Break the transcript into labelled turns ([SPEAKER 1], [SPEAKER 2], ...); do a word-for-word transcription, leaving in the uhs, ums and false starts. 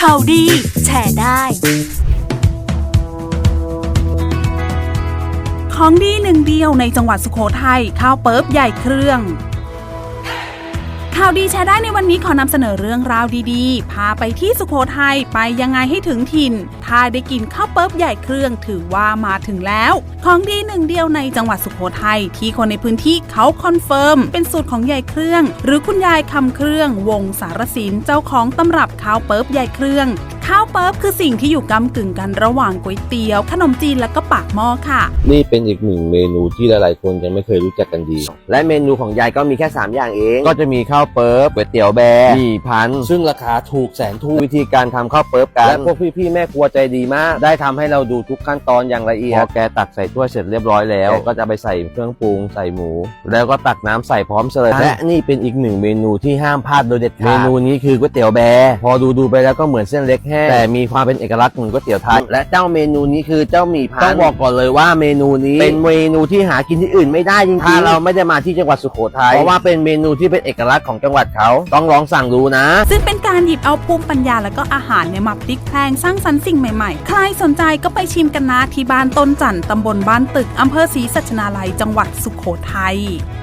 [SPEAKER 1] ข่าวดีแชร์ได้ของดีหนึ่งเดียวในจังหวัดสุโขทัยข้าวเปิ๊บใหญ่เครื่องข่าวดีแชร์ได้ในวันนี้ขอนำเสนอเรื่องราวดีๆพาไปที่สุโขทัยไปยังไงให้ถึงถิ่นถ้าได้กินข้าวเปิ๊บใหญ่เครื่องถือว่ามาถึงแล้วของดีหนึ่งเดียวในจังหวัดสุโขทัยที่คนในพื้นที่เขาคอนเฟิร์มเป็นสูตรของยายเครื่องหรือคุณยายคำเครื่องวงสารสินเจ้าของตำรับข้าวเปิ๊บใหญ่เครื่องข้าวเปิ๊บคือสิ่งที่อยู่ก้ำกึ่งกันระหว่างก๋วยเตี๋ยวขนมจีนและก็ปากหม้อค่ะ
[SPEAKER 2] นี่เป็นอีกหนึ่งเมนูที่หลายๆคนยังไม่เคยรู้จักกันดีและเมนูของยายก็มีแค่สามอย่างเองก็จะมีข้าวเปิ๊บก๋วยเตี๋ยวแบร์หมี่พันซึ่งราคาถูกแสนถูกวิธีการทำข้าวเปิ๊บกันและพวกพี่ๆแม่ครัวใจดีมากได้ทำให้เราดูทุกขั้นตอนอย่างละเอียดพอแกตักใส่ถ้วยเสร็จเรียบร้อยแล้วก็จะไปใส่เครื่องปรุงใส่หมูแล้วก็ตักน้ำใส่พร้อมเสิร์ฟและนี่เป็นอีกหนึ่งเมนูที่ห้ามพลาดโดยเด็ดขาดเมนูนี้คือก๋วยเตี๋ยวแบร์พอดูดูไปแล้วก็เหมือนเส้นเล็กแห้งแต่มีความเป็นเอกลักษณ์ของก๋วยเตี๋ยวไทยและเจ้าเมนูนี้คือเจ้าหมี่พันต้องบอกก่อนเลยว่าเมนูนี้เป็นเมนูที่หากินที่อื่นไม่ได้จริงๆถ้าเราไม่ได้มาที่จังหวัดสุโขทัยเพราะว่าเป็นเมนูที่เป็นเอกลักษณ์ของจังหวัดเขาต้องลองสั่งดูนะ
[SPEAKER 1] ซึ่งเป็นการหยิบเอาภูมิปัญญาและก็อาหารเนี่ยมาพลิกแพลงสร้างสรรค์สิ่งใหม่ๆใครสนใจก็ไปชิมกันนะที่บ้านต้นจันทร์ตำบลบ้านตึกอำเภอศรีสัชนาลัยจังหวัดสุโขทัย